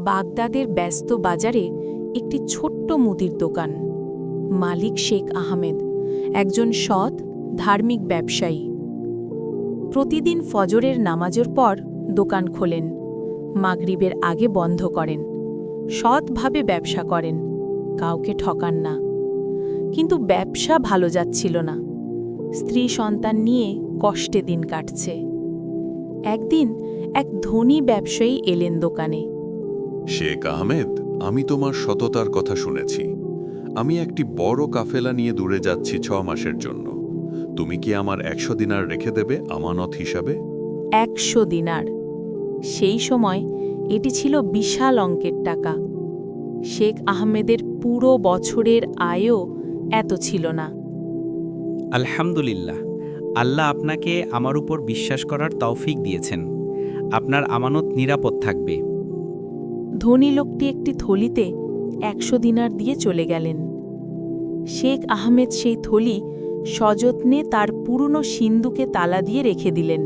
বাগদাদের ব্যস্ত বাজারে একটি ছোট্ট মুদির দোকান। মালিক শেখ আহমেদ একজন সৎ ধার্মিক ব্যবসায়ী। প্রতিদিন ফজরের নামাজের পর দোকান খোলেন, মাগরিবের আগে বন্ধ করেন। সৎভাবে ব্যবসা করেন, কাউকে ঠকান না। কিন্তু ব্যবসা ভালো যাচ্ছিল না। স্ত্রী সন্তান নিয়ে কষ্টে দিন কাটছে। একদিন এক ধনী ব্যবসায়ী এলেন দোকানে। শেখ আহমেদ, আমি তোমার সততার কথা শুনেছি। আমি একটি বড় কাফেলা নিয়ে দূরে যাচ্ছি 6 মাসের জন্য। তুমি কি আমার 100 দিনার রেখে দেবে আমানত হিসাবে? 100 দিনার! সেই সময় এটি ছিল বিশাল অঙ্কের টাকা। শেখ আহমেদের পুরো বছরের আয়ও এত ছিল না। আলহামদুলিল্লাহ, আল্লাহ আপনাকে আমার উপর বিশ্বাস করার তৌফিক দিয়েছেন। আপনার আমানত নিরাপদ থাকবে। ধনী লোকটি একটি থলিতে 100 দিনার দিয়ে চলে গেলেন। শেখ আহমেদ সেই থলি সযত্নে তার পুরনো সিন্দুকে তালা দিয়ে রেখে দিলেন।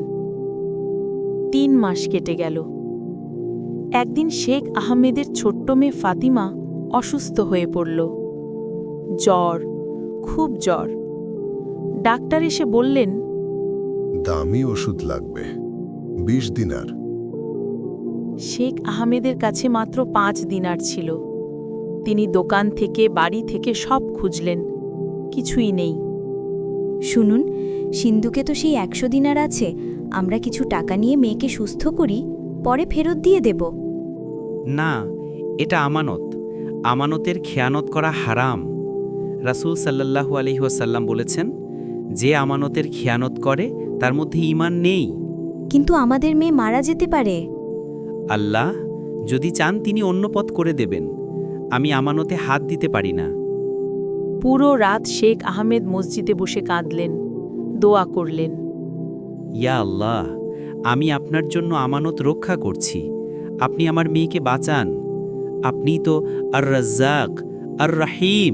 3 মাস কেটে গেল। একদিন শেখ আহমেদের ছোট্ট মেয়ে ফাতিমা অসুস্থ হয়ে পড়ল। জ্বর, খুব জ্বর। ডাক্তার এসে বললেন, দামি ওষুধ লাগবে, 20 দিনার। শেখ আহমেদের কাছে মাত্র 5 দিনার ছিল। তিনি দোকান থেকে বাড়ি থেকে সব খুঁজলেন, কিছুই নেই। শুনুন, সিন্ধুকে তো সেই 100 দিনার আছে। আমরা কিছু টাকা নিয়ে মেয়েকে সুস্থ করি, পরে ফেরত দিয়ে দেব। না, এটা আমানত। আমানতের খেয়ানত করা হারাম। রাসূল সাল্লাল্লাহু আলাইহি ওয়াসাল্লাম বলেছেন, যে আমানতের খেয়ানত করে তার মধ্যে ঈমান নেই। কিন্তু আমাদের মেয়ে মারা যেতে পারে। আল্লাহ যদি চান তিনি অন্য পথ করে দেবেন। আমি আমানতে হাত দিতে পারি না। পুরো রাত শেখ আহমেদ মসজিদে বসে কাঁদলেন, দোয়া করলেন। ইয়া আল্লাহ, আমি আপনার জন্য আমানত রক্ষা করছি। আপনি আমার মেয়েকে বাঁচান। আপনি তো আর রাজ্জাক, আর রাহিম।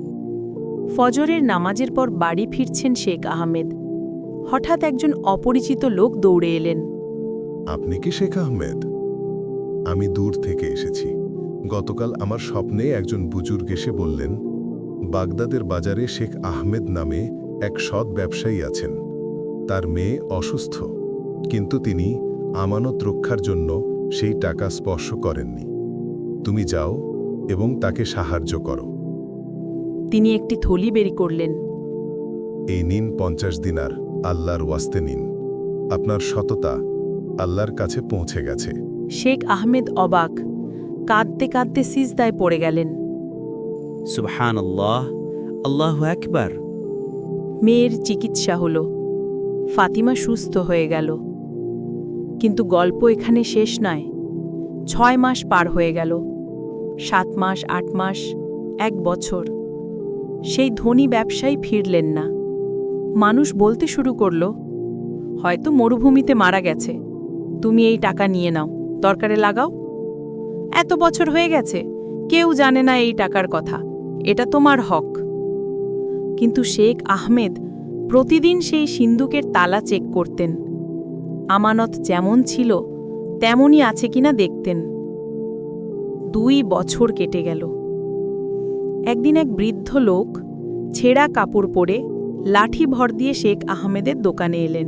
ফজরের নামাজের পর বাড়ি ফিরছেন শেখ আহমেদ। হঠাৎ একজন অপরিচিত লোক দৌড়ে এলেন। আপনি কি শেখ আহমেদ? আমি দূর থেকে এসেছি। গতকাল আমার স্বপ্নে একজন বুজুর্গ এসে বললেন, বাগদাদের বাজারে শেখ আহমেদ নামে এক সৎ ব্যবসায়ী আছেন। তার মেয়ে অসুস্থ, কিন্তু তিনি আমানত রক্ষার জন্য সেই টাকা স্পর্শ করেননি। তুমি যাও এবং তাকে সাহায্য করো। তিনি একটি থলি বের করলেন। এই নিন 50 দিনার, আল্লাহর ওয়াস্তে নিন। আপনার সততা আল্লাহর কাছে পৌঁছে গেছে। শেখ আহমেদ অবাক, কাঁদতে কাঁদতে সিজদায় পড়ে গেলেন। সুবহানাল্লাহ, আল্লাহু আকবার। মেয়ের চিকিৎসা হল, ফাতিমা সুস্থ হয়ে গেল। কিন্তু গল্প এখানে শেষ নয়। 6 মাস পার হয়ে গেল, 7 মাস, 8 মাস, 1 বছর। সেই ধনী ব্যবসায়ী ফিরলেন না। মানুষ বলতে শুরু করল, হয়তো মরুভূমিতে মারা গেছে। তুমি এই টাকা নিয়ে নাও, দরকারে লাগাও। এত বছর হয়ে গেছে, কেউ জানে না এই টাকার কথা। এটা তোমার হক। কিন্তু শেখ আহমেদ প্রতিদিন সেই সিন্দুকের তালা চেক করতেন। আমানত যেমন ছিল তেমনই আছে কিনা দেখতেন। 2 বছর কেটে গেল। একদিন এক বৃদ্ধ লোক ছেঁড়া কাপড় পরে লাঠি ভর দিয়ে শেখ আহমেদের দোকানে এলেন।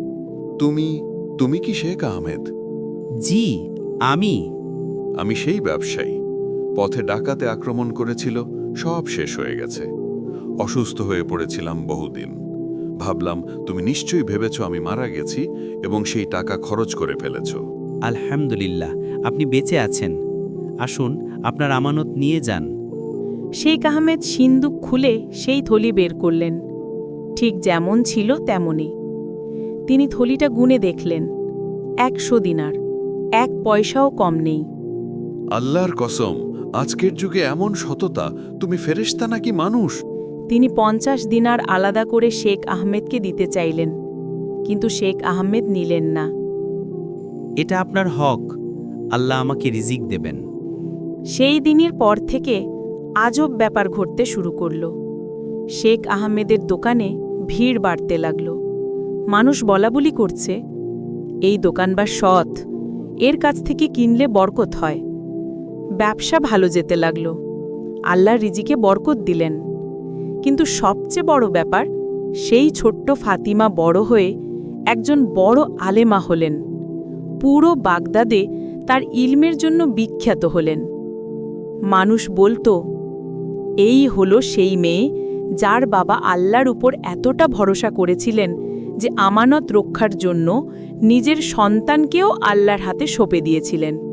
তুমি কি শেখ আহমেদ? জি, আমি। আমি সেই ব্যবসায়ী। পথে ডাকাতে আক্রমণ করেছিল, সব শেষ হয়ে গেছে। অসুস্থ হয়ে পড়েছিলাম বহুদিন। ভাবলাম তুমি নিশ্চয়ই ভেবেছ আমি মারা গেছি এবং সেই টাকা খরচ করে ফেলেছ। আলহামদুলিল্লাহ, আপনি বেঁচে আছেন। আসুন, আপনার আমানত নিয়ে যান। শেখ আহমেদ সিন্দুক খুলে সেই থলি বের করলেন। ঠিক যেমন ছিল তেমনই। তিনি থলিটা গুনে দেখলেন, 100 দিনার, 1 পয়সাও কম নেই। আল্লাহর কসম, আজকের যুগে এমন সততা! তুমি ফেরেশতা নাকি মানুষ? তিনি 50 দিনার আলাদা করে শেখ আহমেদকে দিতে চাইলেন, কিন্তু শেখ আহমেদ নিলেন না। এটা আপনার হক। আল্লাহ আমাকে রিজিক দেবেন। সেই দিনের পর থেকে আজব ব্যাপার ঘটতে শুরু করল। শেখ আহমেদের দোকানে ভিড় বাড়তে লাগল। মানুষ বলাবলি করছে, এই দোকানবার সৎ, এর কাছ থেকে কিনলে বরকত হয়। ব্যবসা ভালো যেতে লাগল। আল্লাহ রিজিকে বরকত দিলেন। কিন্তু সবচেয়ে বড় ব্যাপার, সেই ছোট্ট ফাতিমা বড় হয়ে একজন বড় আলেমা হলেন। পুরো বাগদাদে তার ইলমের জন্য বিখ্যাত হলেন। মানুষ বলতো, এই হলো সেই মেয়ে যার বাবা আল্লাহর উপর এতটা ভরসা করেছিলেন যে আমানত রক্ষার জন্য নিজের সন্তানকেও আল্লাহর হাতে সঁপে দিয়েছিলেন।